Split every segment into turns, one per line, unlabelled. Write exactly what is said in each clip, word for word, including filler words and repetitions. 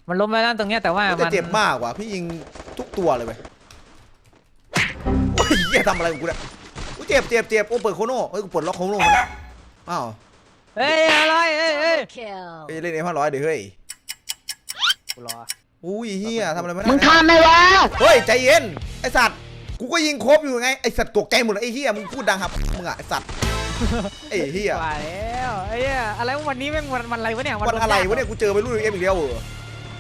มันล้มไปแล้วตรงเนี้ยแต่ว่า
มันจะเจ็บมากกว่าพี่ยิงทุกตัวเลยไปโอ้ยเหี้ยทำอะไรของกูเนี่ยกูเจ็บเจ็บเจ็บโอ้เปิดโคโน่เฮ้ยกูปลดล็อกโคโน่มาแล้วอ้าว
เฮ้ยอะไรเฮ้ยเฮ้ย
ไปเล่นเอ็มห้าร้อยเดี๋ยวเฮ้ย
กูรอ
อุ้ยเฮียทำอะไรไม่ได้
มึงทำไหมวะ
เฮ้ยใจเย็นไอสัตว์กูก็ยิงครบอยู่ไงไอสัตว์ตกใจหมดเลยไอเฮียมึงพูดดังครับมึงอะไอสัตว์ไอเฮีย
ว่าแล้วไอ้เหี้ยอะไรวันนี้แม่งวันวันอะไรวะเนี่ย
วันอะไรวะเนี่ยกูเจอไปรุ่นเอ็มอีกแล้วเหรอ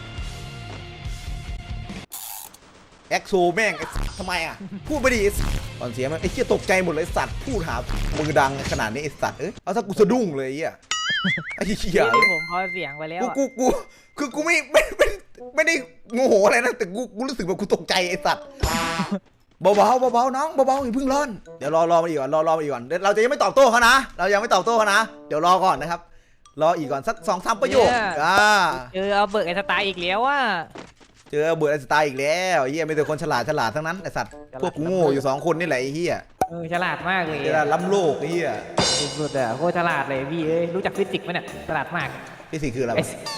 แอ็กโซแม่งทำไมอ่ะพูดไม่ดีตอนเสียมันไอ้เหี้ยตกใจหมดเลยสัตว์พูดหามือดังขนาดนี้ไอ้สัตว์เอ้ยเอาถ้ากูสะดุ้งเลยไอ้เหี้ยไอ้เหี้ย
ที่ผมพอเสียงไปแล้ว
กูกูคือกูไม่ไม่ไม่ไม่ได้โมโหอะไรนะแต่กูกูรู้สึกว่ากูตกใจไอ้สัตว์เบาๆเบาๆน้องเบาๆอย่าเพิ่งร้อนเดี๋ยวรอรอมาอีกก่อนรอรอมาอีกก่อนเราจะยังไม่ตอบโต้เขานะเรายังไม่ตอบโต้เขานะเดี๋ยวรอก่อนนะครับรออีกก่อนสักสองสามประโยคอ่า
เจอเอาเบิร์กไอ้สไตล์อีกแล้วอ่ะ
เจอเบิร์ดไอสไตล์อีกแล้วเฮียมีแต่คนฉลาดฉลาดทั้งนั้นไอสัตว์พวกกูโง่อยู่สองคนนี่แหละไอเฮีย
เออฉลาดมากเลย
ฉลาดล้ำโลกไอเฮีย
สุดๆอ่ะโคตรฉลาดเลยพี่เอ้ยรู้จักฟิสิกส์ไหมเนี่ยฉลาดมาก
ฟิสิกส์คืออะไร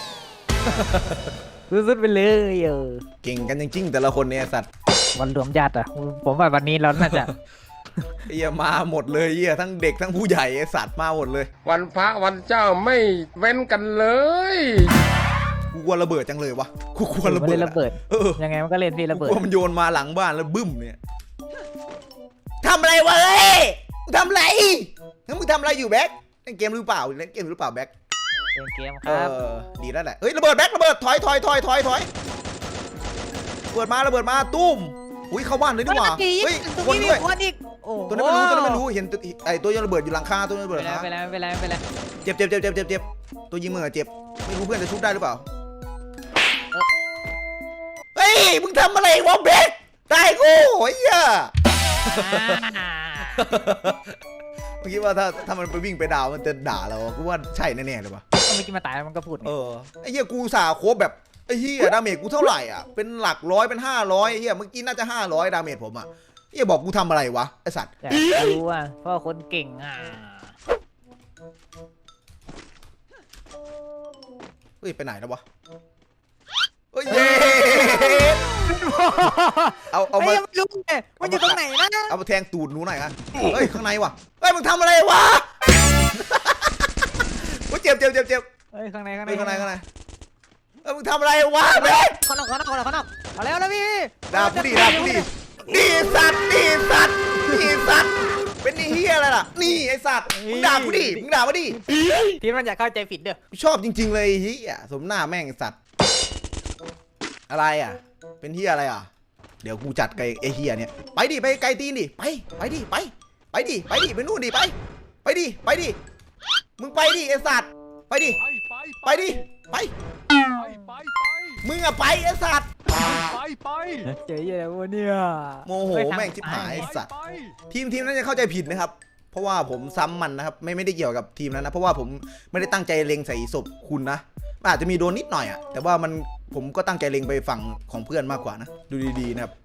สุดๆไปเลยเออ
เก่งกันจริงๆแต่ละคนเนี่ยสัตว์
วันรวมญาติอ่ะผมว่าวันนี้เราน่าจะ
เฮียมาหมดเลยเฮียทั้งเด็กทั้งผู้ใหญ่ไอสัตว์มาหมดเลย
วันพระวันเจ้าไม่เว้นกันเลย
กูกลัวระเบิดจังเลยวะกูกลัวระเบิด
ระเบิดยังไงมันก็เล่นพี่ระเบิด
กูมันโยนมาหลังบ้านแล้วบึ้มเนี่ยทำอะไรวะเฮ้ยมึงทำอะไรงั้นมึงทำอะไรอยู่แบ็คเล่นเกมหรือเปล่าเล่นเกมหรือเปล่าแบ็ค
เล่นเกมครับ
ดีแล้วแหละเฮ้ยระเบิดแบ็คระเบิดถอยถอยถอยถอยถอยระเบิดมาระเบิดมาตุ้มอุ้ยเข้าบ้านเลยดีกว่าเฮ้ยคนด้วยตัวนั้นไม่รู้ตัวนั้นไม่รู้เห็นไอ้ตัวยังระเบิดอยู่หลังคาตัวนั้นระเบิด
ไปแล้วไปแล้วไปแล้ว
เจ็บเจ็บเจ็บเจ็บเจ็บเจ็บตัวยิงมือเจ็บไม่รู้เพื่อนจะชุบได้หรือเปล่าเฮ้ยมึงทำอะไรวะเบคได้กูโอ้ยอ่ะเมื่อกี้ว่าถ้าถ้ามันไปวิ่งไปดาวมันจะด่าเรากูว่าใช่แน่ๆเลยปะ
เมื่อกี้มาตายมันก็พูด
เออไอ้เหี้ยกูสาโคบแบบไอ้เหี้ยดาเมจกูเท่าไหร่อ่ะเป็นหลักร้อยเป็นห้าร้อยไอ้เหี้ยเมื่อกี้น่าจะห้าร้อยดาเมจผมอ่ะไอ้บอกกูทำอะไรวะไอ้สัตว์
รู้ว่าเพราะคนเก่งอ่ะ
เฮ้ยไปไหนแล้ววะเฮ้ยเอาเอามา
ลุงเนี่ยมันอยู่ตรงไหนนะ
เอามาแทงตูดหนูหน่อยกันเฮ้ยข้างในวะเฮ้ยมึงทำอะไรวะกูเจ็บเจ็บเจ็บเจ็บ
เฮ้ยข้างในข้างใน
ข้างในข้างในเฮ้ยมึงทำอะไรวะเบค
ข้างนอกข้างนอกข้างนอกข้างนอกเอาแล้วแล้วพี่
ด่าผู้ดีด่าผู้ดีดีสัตว์ดีสัตว์ดีสัตว์เป็นนี่เฮียอะไรล่ะนี่ไอสัตว์มึงด่ากูดิมึงด่ามาดิ
ที่มันอยากเข้าใจผิดเด้อ
ชอบจริงๆเลยเฮียสมหน้าแม่งสัตว์อะไรอ่ะเป็นเฮียอะไรอ่ะเดี๋ยวกูจัดไกไอเฮียเนี่ยไปดิไปไกลตีนดิไปไปดิไปไปดิไปดิไปนู่นดิไปไปดิไปดิมึงไปดิไอสัตว์ไปดิไปดิไปมึงอะไปไอสัตว์
ไปไป
เจ๊ยังไงวะเนี่ย
โมโหแม่งชิบหายไอสัตว์ทีมทีมนั้นจะเข้าใจผิดนะครับเพราะว่าผมซ้ำมันนะครับไม่ไม่ได้เกี่ยวกับทีมนั้นนะเพราะว่าผมไม่ได้ตั้งใจเล็งใส่ศพคุณนะอาจจะมีโดนนิดหน่อยอะแต่ว่ามันผมก็ตั้งใจเล็งไปฝั่งของเพื่อนมากกว่านะดูดีๆนะครับ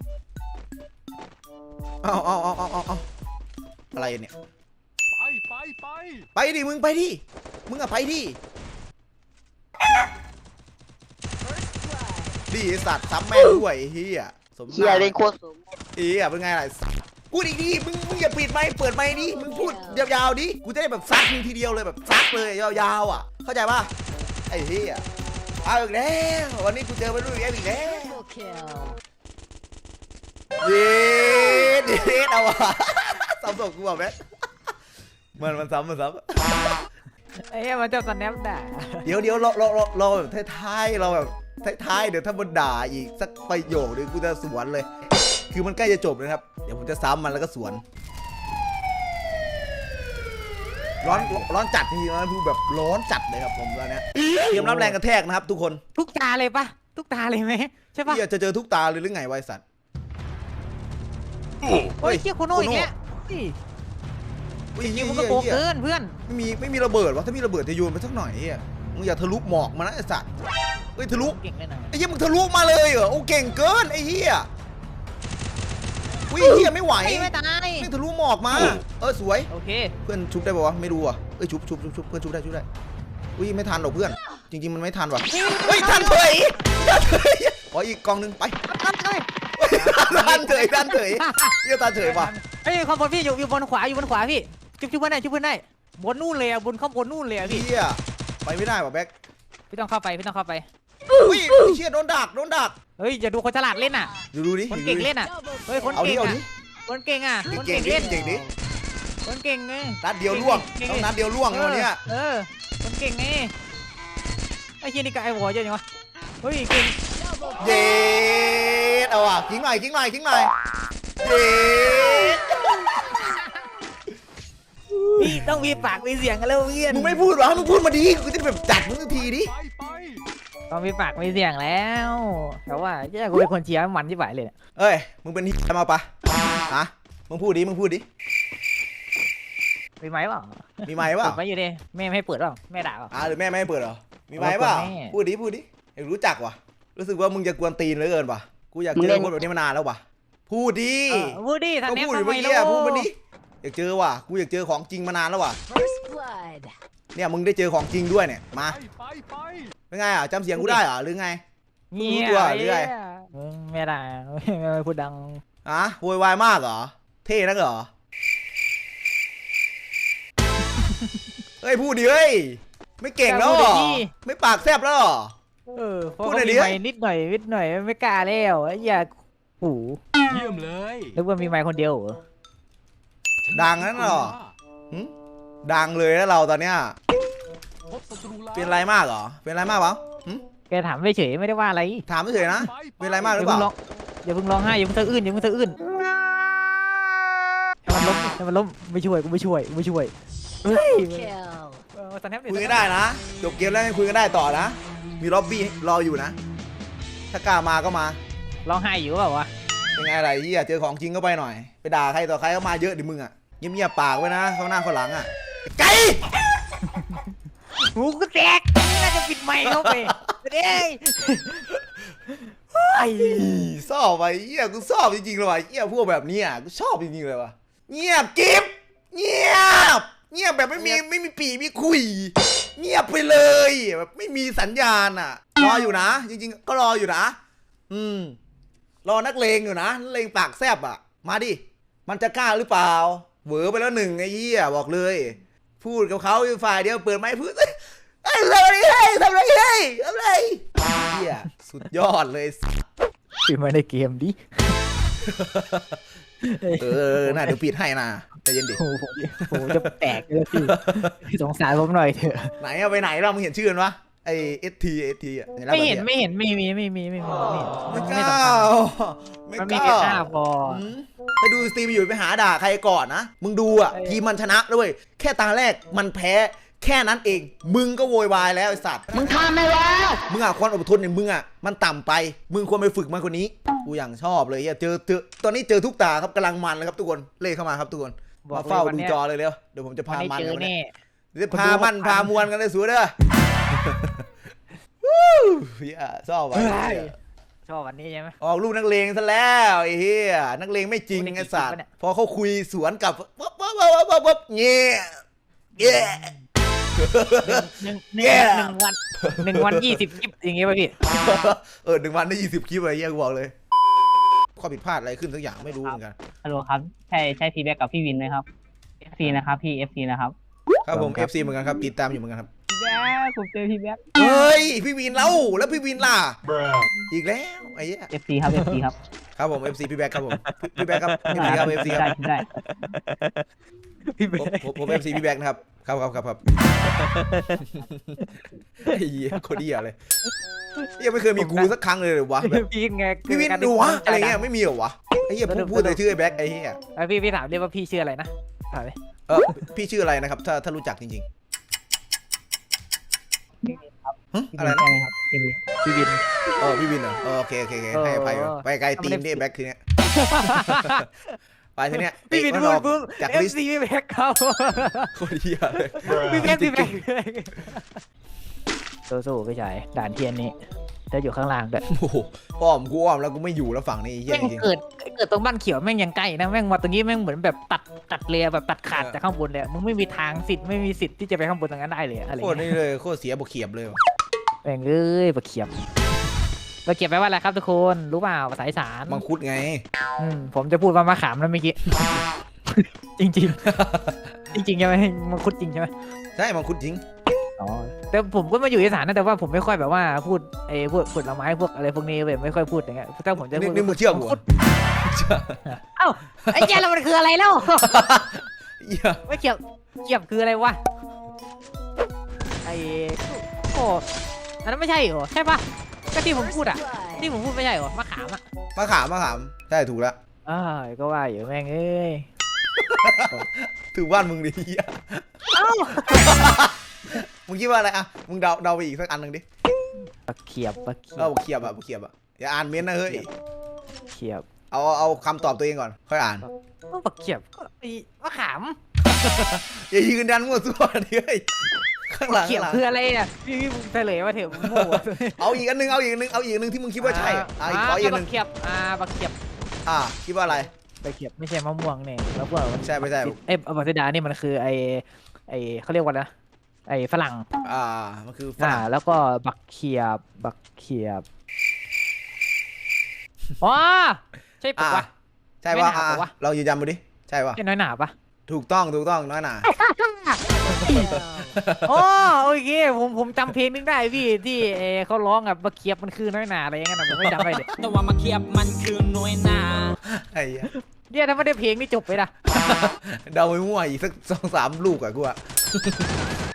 เอาเอาเอาเอาเอาอะไรเนี่ย
ไปไปไป
ไปดิมึงไปดิมึงอะไปดิดีสัตว์ซ้ำแม่ด้วยเฮีย
สมเฮียเป็นโคตรสม
เฮียเป็นไงล่ะพูดอีกดิมึงมึงอย่าปิดไมค์เปิดไมค์ดิมึงพูดยาวๆดิกูจะได้แบบซัดมึงทีเดียวเลยแบบซัดเลยยาวๆอ่ะเข้าใจป่ะไอ้เฮียเอาอีกแล้ววันนี้กูเจอไปรุ่นแกอีกแล้วเย็ดเย็ดเอาวะซ้ำศพกูแบบนี้มันมันซ้ำมันซ้
ำไอ้เนี่ยมันจะสแนปด่า
เดี๋ยวเดี๋ยวรอรอรอรอแบบท้ายๆเราแบบท้ายๆเดี๋ยวถ้ามันด่าอีกสักประโยคนึงกูจะสวนเลยคือมันใกล้จะจบนะครับเดี๋ยวผมจะซ้ำมันแล้วก็สวนร้อนร้อนจัดจริงๆนะพูดแบบร้อนจัดเลยครับผมตอนนี้เตรียมรับแรงกระแทกนะครับทุกคน
ทุกตาเลยปะทุกตาเลยไหมใช่ปะ
จะเจอทุกตาเลยหรือไงไวสัตว์
เฮ้ยเชี่ยโคโน่อีกแล้วยิงมันก็โกงเกินเพื่อน
ไม่มีไม่มีระเบิดวะถ้ามีระเบิดจะโยนไปสักหน่อยอ่ะมึงอย่าทะลุหมอกมานะไอ้สัตว์เฮ้ยทะลุไอ้เหี้ยมึงทะลุมาเลยเหรอโอ้เก่งเกินไอ้เหี้ยอุ้ยเหี้ยไม่ไหว
ไม่ตาย
ไม่ทะลุหมอกมาเออสวย
โอเค
เพื่อนชุบได้ป่าวะไม่รู้อ่ะเอ้ยชุบชุบชุบชุบเพื่อนชุบได้ชุบได้อุ้ยไม่ทันหรอกเพื่อนจริงๆมันไม่ทันว่ะเฮ้ยทันเลยขออีกกล่องหนึงไป
นั่นเลย
ดันเฉยดันเฉยเยี่ยตาเฉยว่ะ
เฮ้ยข้างบนพี่อยู่อยู่บนขวาอยู่บนขวาพี่ชุบชุบเพื่อนได้ชุบเพื่อนได้บนนู่นเลยอะบนข้างบนนู่นเลยอะพี่
เฮียไปไม่ได้ว่ะแบ็ค
พี่ต้องเข้าไปพี่ต้องเข้าไป
อุ้ยเชี่ยโดนดักโดนดัก
เฮ้ยอย่าดูคนฉลาดเล่นอ่ะ
ดูดูดิ
คนเก่งเล่นอ่ะเฮ้ยคน
เอาดิ
เก่ง
เอา
อ่ะ
ดิ
คนเก่งอ่ะคน
เก่
เก่
ง
ง
ดิ
เล่น
เก่งดิ
คนเก่งไง
นัดเดียวล่วง
เก่ง
ต้องนัดเดียวล่วงเลยวันเนี้ย
เออคนเก่งไงไอ้เฮียนี่ก็ไอ้หัวเยอะจังวะเฮ้ยเก่ง
เย็ดเอาอ่ะทิ้งหน่อยทิ้งหน่อยทิ้งหน่อยเย็ด
พี่ต้องมีปากมีเสียงกันแล้วเพื่อน
มึงไม่พูดหรอมึงพูดมาดิกูจะแบบจัดมึงสักทีดิ
ต้องมีปากมีเสียงแล้วแต่ว่าเจ้ากูเป็นคนเชียร์มันที่ไหวเลยเนี่ย
เอ้ยมึงเป็นที่มาปะฮะมึงพูดดิมึงพูดดิ
มีไหมเปล่า
มีไม้เปล่า
เปิดไว้อยู่ดิแม่ไม่ให้เปิดเปล่าแม่ด่าเปล่า
อ่าหรือแม่ไม่ให้เปิดเหรอมีไม้เปล่า
แม่
พูดดิพูดดิอยากรู้จักว่ะรู้สึกว่ามึงจะกวนตีนเหลือเกินว่ะกูอยากเจอคนแบบนี้มานานแล้วว่ะพูดดิ
เออพูดดิทัน
ก็
แนบ
พูดอ
ทำ
ยู่
ไม
เมื่อกี้
แล้
อะ
ว
พูดมาดิอยากเจอว่ะกูอยากเจอของจริงมานานแล้วว่ะ
First blood.
เนี่ยมึงได้เจอของจริงด้วยเนี่ยมาเป็นไงอ่ะจำเสียงกูได้เหรอหรือไง
เงีย
รู้ตัวหรือไง
มึงไม่ได้ไม่พูดดัง
อะโวยวายมากเหรอเท่นักเหรอเฮ้ยพูดดิเฮ้ยไม่เก่งแล้วเหรอไม่ปากแซบแล้วเหรอ
เออเพราะ
พูด
เขา
หน่อยดิ
มีไม้นิดหน่อยนิดหน่อยไม่กล้าแล้วไอ้อย่าหู
เยี่ยมเลย
นึกว่ามีไม้คนเดียวเหรอ
ดังนั้นเหรอหึดังเลยนะเราตอนเนี้ย
พบศัตรูแล้ว
เป็นไรมากเหรอเป็นไรมากเปล่าหึ
แกถามเฉยๆไม่ได้ว่าอะไร
ถามเฉยๆนะเป็นไรมาก
อ
หรื
ย่า
อเป
เพิ่
ล่าง
ร้องอย่าเพิ่งร้องไห้อย่าเพิ่งสะอื้นอย่าเพิ่งสะอื้นให้มันล้มให้มันล้มไม่ช่วยกูไม่ช่วยกูไม่ช่วยเฮ้ย
Kill.
เออตอนนี้
คุยกันได้นะจบเกมแล้วยังคุยกันได้ต่อนะมีล็อบบี้รออยู่นะ ถ้ากล้ามาก็มา
ร้องไห้อยู่เปล่าวะ
เป็นไงอะไรที่เจอของจริงก็ไปหน่อย ไปด่าใครต่อใครก็มาเยอะดิมึงอ่ะเงียบๆปากไว้นะเข้าหน้าเข้าหลังอ่ะไก่
หูก็แตกน่าจะปิดไมค์เข้าไปเด้ย
ไอ้ชอบไปเหี้ยกูชอบจริงๆเลยว่ะเหี้ยพวกแบบนี้อ่ะกูชอบจริงๆเลยว่ะเงียบกิ๊บเงียบเงียบแบบไม่มีไม่มีปีมีคุย เงียบไปเลยแบบไม่มีสัญญาณอ่ะรออยู่นะ จริงๆก็รออยู่นะอืมรอนักเลงอยู่นะนักเลงปากแซบอ่ะมาดิมันจะกล้าหรือเปล่าเหวอไปแล้วหนึ่งไอ้เหี้ยบอกเลย พูดกับเขาอยู่ฝ่ายเดียวเปิดไม้พูดเอ้ยทำอะไรให้ทำอะไรให้ทำอะไรเหี้ยสุดยอดเลย
ปิดไมค์ในเกมดิ
เออน่าเดี๋ยวปิดให้นะใจเย็นดิ
โอ้โหผมจะแตกเลยพี่สงสารผมหน่อยเถอะ
ไหนอะไปไหนเรามึงเห็นชื่อมันปะไอเอสทีเอสทีอะ
ไม่เห็นไม่เห็นไม่มีไม่มีไม่มีไม่มี
ไม่ก
ไม่
ล้า
สำคัญ
ไม่
มัน
ก
มี
ล้า
แค่ห้าพอ
อืมไปดูสตรีมอยู่ไปหาด่าใครก่อนนะมึงดูอะ
เออ
ทีมมันชนะด้วยแค่ตาแรกมันแพ้แค่นั้นเอง มึงก็โวยวายแล้วไอสัตว์
มึงทำไม่แล้ว
มึงอะความอดทนเนี่ยมึงอะมันต่ำไป มึงควรไปฝึกมากกว่านี้กูอย่างชอบเลยเจอเจอตอนนี้เจอทุกตาครับกำลังมันเลยครับทุกคนเล่เข้ามาครับทุกคนมาเฝ้าดูจอเลยเร็วเดี๋ยวผมจะ
วัน
พา
นี้
มัน
เจอ
กันวันนี้
แน่
เดี๋ยวพามันพามวลกันเลยสูเด้อเฮียชอบว่ะ
ชอบวันนี้ใช่ไหม
ออกลูกนักเลงซะแล้วไอ้เฮียนักเลงไม่จริง
โอ้นี่
ไอ้สัตว์
กี่คลิปวะเนี่ย
พอเขาคุยสวนกับปั๊บปั๊บปั๊บปั๊บปั๊บปั๊บเงี้ยเงี้ย
หนึ่งห
แย่
นึ่งหนึ่งวันหนึ่งวันยี่สิบคลิปอย่างเงี้ยป่ะพี่
เออหนึ่งวันได้ยี่สิบคลิปอะไรเฮียกูบอกเลยข้อผิดพลาดอะไรขึ้นสักอย่างไม่รู้เหมือนกัน
ฮัลโหลครับ ใช่ใช่ฟีแบ็กกับพี่วินไหมครับ เอฟ ซี นะครับพี่ เอฟ ซี นะครับ
ครับผม เอฟ ซี เหมือนกันครับติดตามอยู่เหมือนกันครับ
พี่แบ็กผมเจอพี่แบ็ก
เฮ้ยพี่วินเล่าแล้วพี่วินล่ะอีกแล้วไอ้เหี้ย
เอฟ ซี ครับ เอฟ ซี ครับ
ครับผม เอฟ ซี พี่แบ็คครับผมพี่แบ็คครับ เอฟ ซี ครับ เอฟ ซี ครับ
ได้ได้
พี่
ผ
เบ๊
มผมผม เอฟ ซี พี่แบ็คนะครับครับครับครับครับไอ้เหี้ยโคตรเหี้ยเลยยังไม่เคยมีกูสักครั้งเลยเหรอวะแบบ
พี่ไง
พี่วินดูวะอะไรเงี้ยไม่มีเหรอวะไอ้เหี้ยพูดพูดแต่ชื่อไอ้แบ็คไอ้เหี้ย
ไอพี่พี่ถามเรียกว่าพี่ชื่ออะไรนะถามเลย
เออพี่ชื่ออะไรนะครับถ้าถ้ารู้จักจริงๆฮะ
พี่
อะไร
วิน
นะ
ใช่ไหมครับพี่วิน
พี่วิน
เออพี่วินเหรอเออโอเคโอเคโอเคให้อภัยว่ะไปไกลตีนดิแบ็คทีเนี้ยไปทีเนี้ย
พี่วิน
เตะ
พู
มั
ด
ออก
ปุ๊บ
จาก
เอฟ
ลิสต์
ซีพี่แบ็คเขา
โคตรเหี้ยเลย
พี่แบ็คพี่แบ็คสู้ๆพี่ชายด่านเทียนนี้จะอยู่ข้างล่างด้วย
โอ้โหอ้อมกูอ้อมแล้วกูไม่อยู่แล้วฝั่งนี้ไอ้เหี้ย
แม่ง
จริง
เกิดเกิดตรงบ้านเขียวแม่งยังใกล้นะแม่งมาตรงนี้แม่งเหมือนแบบตัดตัดเรียแบบตัดขาดจากข้างบนเลยมึงไม่มีทางสิทธิ์ไม่มีสิทธิ์ที่จะไปข้างบนตรงนั้นได้เลยอะไร
โคตร
เงี้ย
นี่เลยโคตรเสียบกเขียบเลยว่ะ
แม่งเอ้ยบะเขียบเราเก็บไปว่าอะไรครับทุกคนรู้เปล่าภาษาอีสาน
มังคุดไง
อืมผมจะพูดว่ามะขามแล้วเมื่อกี้ จริงจริงๆ จริงๆใช่ไหมมังคุดจริงใช่ไหม
ใช่มังคุดจริง
อ๋อแต่ผมก็มาอยู่อีสานนะแต่ว่าผมไม่ค่อยแบบว่าพูดไอ้พวกผลไม้พวกอะไรพวกนี้แบบไม่ค่อยพูดอย่างเงี้ยถ้าผมจะ
นี่
พูด
นี่มึงเชื่อกู
มัง
เหร
คุ
อ
ดเอ้าไอ้เจ้าแล้วมันคืออะไรแล้ว
เหี้ย
ไม่เกี่ยวเกี่ยวคืออะไรวะไอ้โอ้อันนั้นไม่ใช่เหรอใช่ปะก็ที่ผมพูดอ่ะที่ผมพูดไม่ใช่เหรอมะขามอ่ะ
มะขามมะขามใช่ถูกแล้ว
อ้าวก็ว่าอยู่แม่งเอ้ย
ถูกบ้านมึงดิเหี้ย
เอ้า
มึงคิดว่าอะไรอ่ะมึงเดาเดาไปอีกสักอันหนึ่งดิ
บักเขียบบักเขีย
เรา
บ
บอกเขียบอ่ะบอกเขียบอ่ะอย่าอ่านเม้นต์นะเฮ้ย
เขียบ
เอาเอาคำตอบตัวเองก่อนค่อยอ่าน
ก็บักเขียบก็ไอ้มะขาม
อย่ายืนยันมั่วซั่วดิเฮ้ยข้างหลัง
เขียบ
ข้างหลัง
คืออะไรเนี่ยพี่พี่มึงเฉลยมาเถอะมึงโม่
เอาอีกอันหนึงเอาอีกอันหนึงเอาอีกอันหนึงที่มึงคิดว่าใช่อ่ะอ่ะอีกขออีกอันหนึ
บั
ง
กเขียบอ่าบักเขียบ
อ่ะคิดว่าอะไร
บักเขียบไม่ใช่มะม่วงเนี่ยแล้วพวกมัน
ใช่ไม่ใช่
เอ้ยบักเสดานี่มันคือไอ้ไอ้เขาเรียกว่าอะไรนะไอ้ฝรั่ง
อ่ามันคือฝ
อ่า
รั่ง
แล้วก็บักเขียบบักเขียบอ๋อใช่ปะ
อ่ะ
วะ
ใช่ว่า
ไม่หนา
อ่ะ
ปะวะ
เรายืนยันมาดิใช่ป่ะ
ใช่น้อยหนาปะ
ถูกต้องถูกต้องน้อยหนา
โอ้โอเคผมผมจำเพลงนึงได้พี่ที่เออเขาร้องแบบบักเขียบมันคือน้อยหนาอะไรอย่างเงี้ยนะผมไม่จำได้เลย
แต่ว่ามาเคียบมันคือหน่วยหนา
ไอ้เหี้ย
เนี่ยถ้าไม่ได้เพลงนี่จบไปละ
เดาไปมั่วอีกสักสองสามลูกอ่ะกูอ่ะ